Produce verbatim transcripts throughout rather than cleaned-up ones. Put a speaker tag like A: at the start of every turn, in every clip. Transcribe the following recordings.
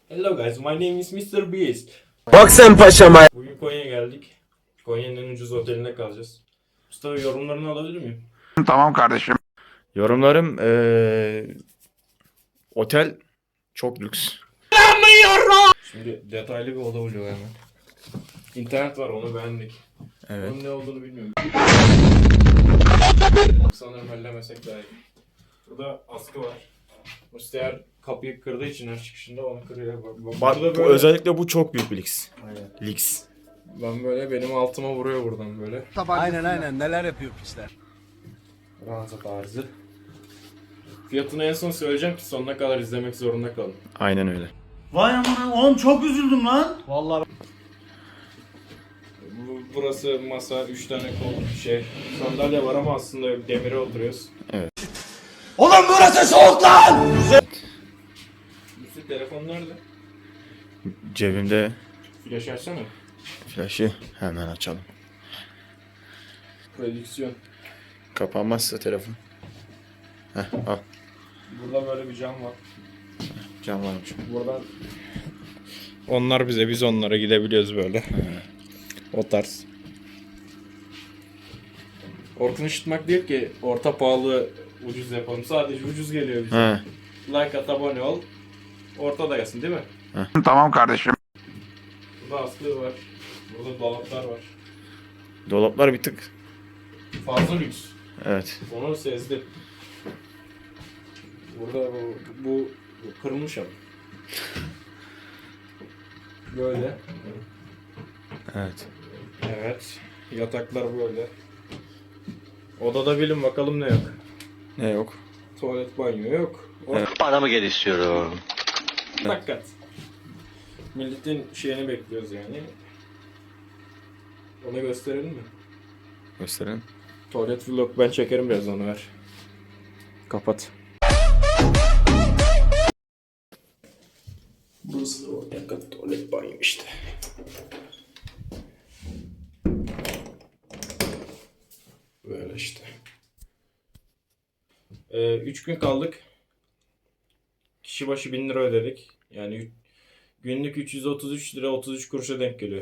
A: Hello guys, my name is mister Beast.
B: Bak sen paşama.
A: Bugün Konya'ya geldik. Konya'nın en ucuz otelinde kalacağız. Mustafa yorumlarını alabilir miyim?
C: Tamam kardeşim.
D: Yorumlarım ee, otel çok lüks.
A: Şimdi detaylı bir oda buluyor hemen. İnternet var, onu beğendik.
D: Evet.
A: Onun ne olduğunu bilmiyorum. Sanırım ellemesek daha iyi. Burada askı var. Mustafa kapıyı kırdığı için her çıkışında onu kırıyor. Bak, bak,
D: Bak
A: burada
D: bu,
A: böyle...
D: özellikle bu çok büyük bir lüks.
A: Aynen.
D: Lüks.
A: Ben böyle benim altıma vuruyor buradan böyle.
E: Aynen aynen neler yapıyor pisler.
A: Ranza tarzı. Fiyatını en son söyleyeceğim ki sonuna kadar izlemek zorunda kalın.
D: Aynen öyle.
E: Vay aman oğlum çok üzüldüm lan. Vallahi
A: Bu- Burası masa, üç tane kol, şey, sandalye var ama aslında demire oturuyoruz.
E: oğlum burası soğuk lan.
A: Müslü telefon nerede?
D: Cebimde
A: Flash açsana.
D: flaşı hemen açalım.
A: Prodüksiyon.
D: Kapanmazsa telefon. Heh, al.
A: Burada böyle bir cam var.
D: Cam varmış.
A: Buradan onlar bize, biz onlara gidebiliyoruz böyle. O tarz. Orkun ışıtmak değil ki orta pahalı ucuz yapalım. Sadece ucuz geliyor bize.
D: He.
A: Like at, abone ol. Ortada gelsin değil mi?
C: Tamam kardeşim.
A: Burada askı var. Burada dolaplar var.
D: Dolaplar bir tık.
A: Fazla lüks.
D: Evet.
A: Onu sezdim. Burada bu, bu, bu kırılmış ama. Böyle.
D: Evet.
A: Evet. Yataklar böyle. Odada bilin bakalım ne yok.
D: Ne yok?
A: Tuvalet, banyo yok.
D: Evet.
F: Paramı gel istiyorum.
A: Fakat milletin şeyini bekliyoruz yani. Onu gösterelim mi?
D: Gösterelim.
A: Tuvalet vlog ben çekerim biraz, onu ver. Kapat. Burası da ortak kat tuvalet banyo işte. Böyle işte. Ee, üç gün kaldık. Kişi başı bin lira ödedik. Yani günlük üç yüz otuz üç lira otuz üç kuruşa denk geliyor.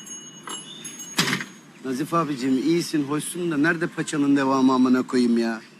G: Nazif abicim iyisin, hoşsun da nerede paçanın devamı amına koyayım ya?